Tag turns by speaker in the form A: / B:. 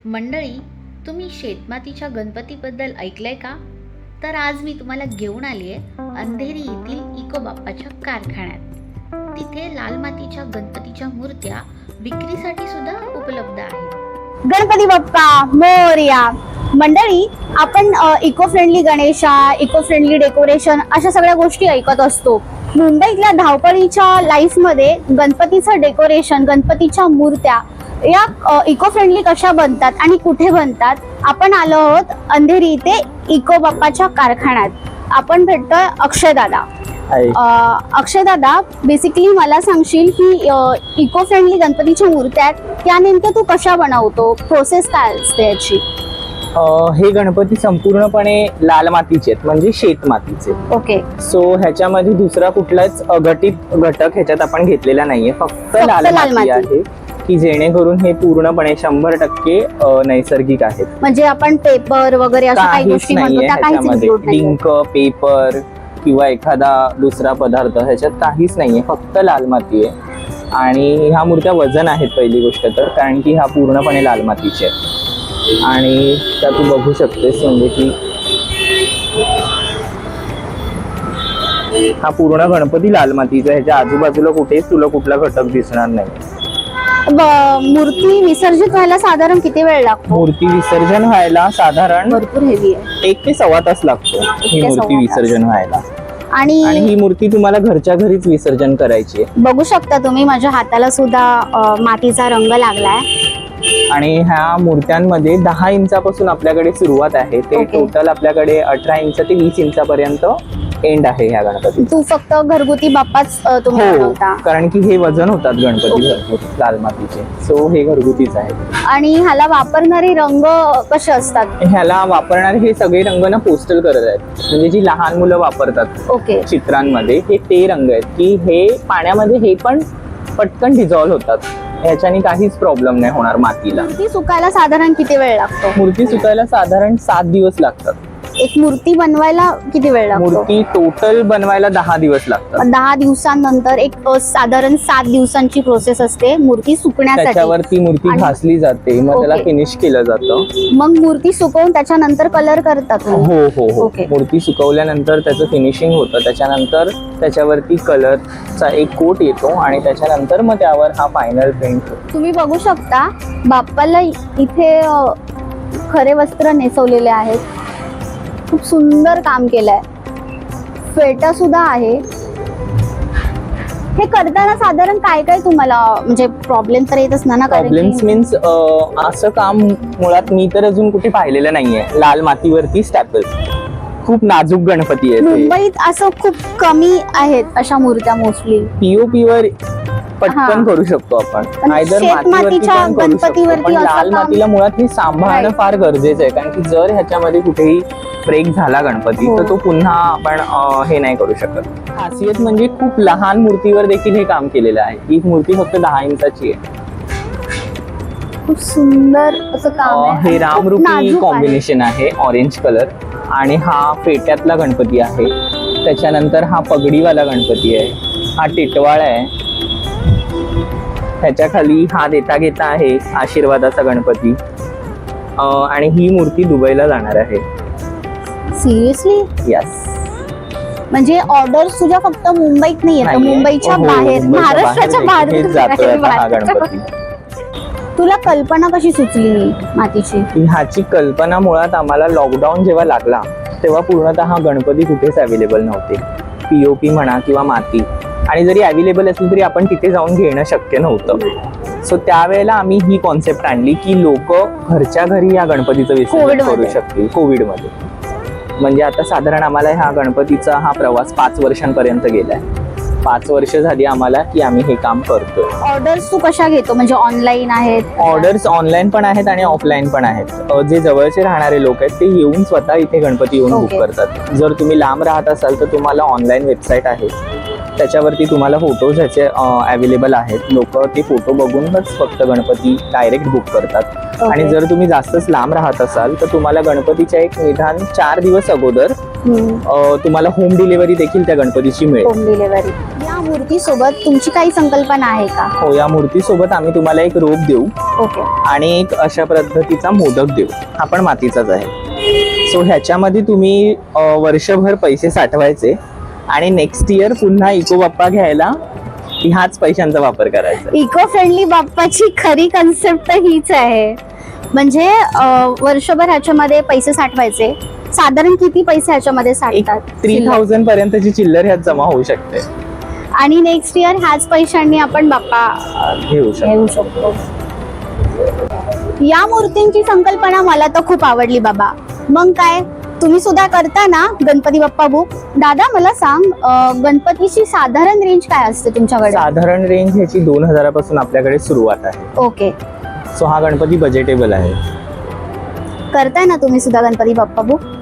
A: मंडळी, तुम्ही शेतमातीच्या गणपतीबद्दल ऐकलंय का? तर आज मी तुम्हाला घेऊन आली आहे अंधेरी येथील इको बाप्पाच्या कारखान्यात. तिथे लाल मातीच्या गणपतीच्या मूर्त्या विक्रीसाठी सुद्धा उपलब्ध आहेत.
B: गणपती बाप्पा मोरया. मंडळी, आपण eco friendly Ganesha, eco friendly decoration अशा सगळ्या गोष्टी ऐकत असतो. मुंबईतल्या धावपळीच्या लाईफमध्ये गणपतीचं डेकोरेशन, गणपतीच्या मूर्त्या या इको फ्रेंडली कशा बनतात आणि कुठे बनतात, आपण आलो आहोत अंधेरी इथे इको बाप्पाच्या कारखान्यात. आपण भेटतोय अक्षय दादा. अक्षय दादा, बेसिकली मला सांगशील की इको फ्रेंडली गणपतीच्या मूर्त्या आहेत त्या नेमक्या तू कशा बनवतो, प्रोसेस काय असते याची?
C: हे गणपती संपूर्णपणे लाल मातीचे आहेत, म्हणजे शेत मातीचे.
B: ओके.
C: सो ह्याच्यामध्ये दुसरा कुठलाच अघटित घटक ह्याच्यात आपण घेतलेला नाहीये, फक्त लाल माती आहे की जेणेकरून हे पूर्णपणे 100% नैसर्गिक आहेत.
B: म्हणजे आपण पेपर वगैरे अशा काही गोष्टी म्हणतो त्या काहीच include नाहीये.
C: डिंक, पेपर किंवा एखादा दुसरा पदार्थ ह्याच्यात काहीच नाहीये, फक्त लाल माती आहे. आणि ह्या मूर्त्या वजन आहेत पहिली गोष्ट तर, कारण की ह्या पूर्णपणे लाल मातीचे आहेत. आणि त्या तू बघू शकतेस, म्हणजे की हा पूर्ण गणपती लाल मातीचा, ह्याच्या आजूबाजूला कुठेच तुला कुठला घटक दिसणार नाही.
B: मूर्ती विसर्जित व्हायला साधारण किती वेळ लागतो?
C: मूर्ती विसर्जन व्हायला साधारण
B: भरपूर हेवी आहे.
C: 1 ते सव्वा तास लागतो ही मूर्ती विसर्जन व्हायला.
B: आणि
C: ही मूर्ती तुम्हाला घरच्या घरीच विसर्जन करायची आहे.
B: बघू शकता तुम्ही, माझ्या हाताला सुद्धा मातीचा रंग लागलाय.
C: आणि ह्या मूर्त्यांमध्ये 10 इंचापासून आपल्याकडे सुरुवात आहे, ते टोटल आपल्याकडे 18 इंच ते 20 इंचापर्यंत एंड आहे ह्या गणपती.
B: तू फक्त घरगुती बाप्पाच तुम्ही बनवता?
C: कारण की हे वजन होतात गणपती भरपूर लाल मातीचे, सो हे घरगुतीच आहे.
B: आणि ह्याला वापरणारे रंग कसे असतात?
C: ह्याला वापरणारे हे सगळे रंग ना पोस्टल कलर आहेत, म्हणजे जी लहान मुलं वापरतात
B: ओके
C: चित्रांमध्ये, हे ते रंग आहेत की हे पाण्यामध्ये हे पण पटकन डिझॉल्व्ह होतात, ह्याच्याने काहीच प्रॉब्लेम नाही होणार मातीला.
B: मूर्ती सुकायला साधारण किती वेळ लागतो?
C: मूर्ती सुकायला साधारण 7 दिवस लागतात.
B: एक मूर्ती बनवायला किती वेळ लागतो?
C: मूर्ती टोटल बनवायला 10 दिवस लागतात.
B: 10 दिवसांनंतर एक साधारण 7 दिवसांची प्रोसेस असते मूर्ती सुकण्यासाठी.
C: त्याच्यावरती मूर्ती घासली जाते, मग त्याला फिनिश केलं जातं.
B: मग मूर्ती सुकवून त्याच्यानंतर कलर करतात?
C: हो हो हो. मूर्ती सुकवल्यानंतर त्याचं फिनिशिंग होतं, त्याच्यानंतर त्याच्यावरती कलरचा एक कोट येतो आणि त्याच्यानंतर मग त्यावर हा फायनल प्रिंट होतो.
B: तुम्ही बघू शकता बाप्पाला इथे खरे वस्त्र नेसवलेले आहेत. खूप सुंदर काम केलंय, फेटा सुद्धा आहे. हे करताना साधारण काय काय तुम्हाला म्हणजे प्रॉब्लेम तर येतच ना?
C: प्रॉब्लेम्स मीन्स असं काम मुळात मी तर अजून कुठे पाहिलेलं नाहीये. लाल मातीवरती स्टॅपल, खूप नाजूक गणपती आहे.
B: मुंबईत असं खूप कमी आहेत अशा मूर्त्या. मोस्टली
C: पीओपी वर पटकन करू शकतो आपण, आयदर मातीवरती गणपतीवरती. पण लाल मातीला मुळात हे सांभाळणं फार गरजेचं आहे, कारण की जर ह्याच्यामध्ये कुठेही ब्रेक झाला गणपती तर तो पुन्हा आपण हे नाही करू शकत. खासियत म्हणजे खूप लहान मूर्तीवर देखील हे काम केलेलं आहे. ही मूर्ती फक्त 10 इंचाची आहे.
B: खूप सुंदर असं काम आहे.
C: हे रामरूपी कॉम्बिनेशन आहे, ऑरेंज कलर. आणि हा फेट्यातला गणपती आहे. त्याच्यानंतर हा पगडीवाला गणपती आहे. हा टिटवाळा आहे. ह्याच्या खाली हा देता घेता आहे, आशीर्वादाचा गणपती. आणि ही मूर्ती दुबईला जाणार आहे.
B: सिरियसली?
C: यस.
B: म्हणजे ऑर्डर्स तुझ्या फक्त मुंबईत नाही येत, मुंबईच्या बाहेर, महाराष्ट्राच्या बाहेर
C: जातोय हा गणपती.
B: तुला कल्पना कशी सुचली मातीची?
C: ह्याची कल्पना मुळात आम्हाला लॉकडाऊन जेव्हा लागला तेव्हा पूर्णतः गणपती कुठेच अवेलेबल नव्हते. पीओपी म्हणा किंवा माती, आणि जरी अवेलेबल असली तरी आपण तिथे जाऊन घेणं शक्य नव्हतं. सो त्यावेळेला आम्ही ही कॉन्सेप्ट आणली की लोक घरच्या घरी या गणपतीचं विसर्जन करू शकतील कोविडमध्ये. म्हणजे आता साधारण आम्हाला ह्या गणपतीचा हा प्रवास 5 वर्षांपर्यंत गेलाय. 5 वर्ष झाली आम्हाला की आम्ही हे काम करतोय.
B: ऑर्डर्स तू कशा घेतो? म्हणजे ऑनलाईन आहेत?
C: ऑर्डर्स ऑनलाईन पण आहेत आणि ऑफलाईन पण आहेत. जे जवळचे राहणारे लोक आहेत ते येऊन स्वतः इथे गणपती येऊन बुक करतात. जर तुम्ही लांब राहत असाल तर तुम्हाला ऑनलाईन वेबसाईट आहे, त्याच्यावरती तुम्हाला फोटोज ह्याचे अवेलेबल आहेत. लोक ते फोटो बघूनच फक्त गणपती डायरेक्ट बुक करतात. आणि जर तुम्ही जास्तच लांब राहत असाल तर तुम्हाला गणपतीच्या एक निदान 4 दिवस अगोदर तुम्हाला होम डिलिव्हरी देखील त्या गणपतीची मिळेल.
B: Home delivery. या मूर्तीसोबत तुमची काही संकल्पना आहे का?
C: हो, या मूर्तीसोबत आम्ही तुम्हाला एक रोप देऊ
B: ओके.
C: आणि एक अशा पद्धतीचा मोदक देऊ. हा पण मातीचाच आहे. सो ह्याच्यामध्ये तुम्ही वर्षभर पैसे साठवायचे आणि नेक्स्ट इयर पुन्हा इको बाप्पा घ्यायला ह्याच पैशांचा वापर करायचा.
B: इको फ्रेंडली बाप्पाची खरी कन्सेप्ट हीच आहे. म्हणजे वर्षभर ह्याच्यामध्ये पैसे साठवायचे. साधारण किती पैसे ह्याच्यामध्ये
C: एक
B: साठतात?
C: 3000 पर्यंतची चिल्लर ह्यात जमा होऊ शकते.
B: आणि नेक्स्ट इयर ह्याच पैशांनी आपण बाप्पा
C: घेऊ शकतो.
B: घेऊ शकतो. या मूर्तींची संकल्पना मला तर खूप आवडली बाबा. मग काय, तुम्ही सुद्धा करता ना गणपती बाप्पा बुक? दादा मला सांग, गणपतीची साधारण रेंज काय असते तुमच्याकडे?
C: साधारण रेंज ह्याची 2000 पासून आपल्याकडे सुरुवात आहे.
B: ओके.
C: सो हा गणपती बजेटेबल आहे.
B: करताय ना तुम्ही सुद्धा गणपती बाप्पा बुक?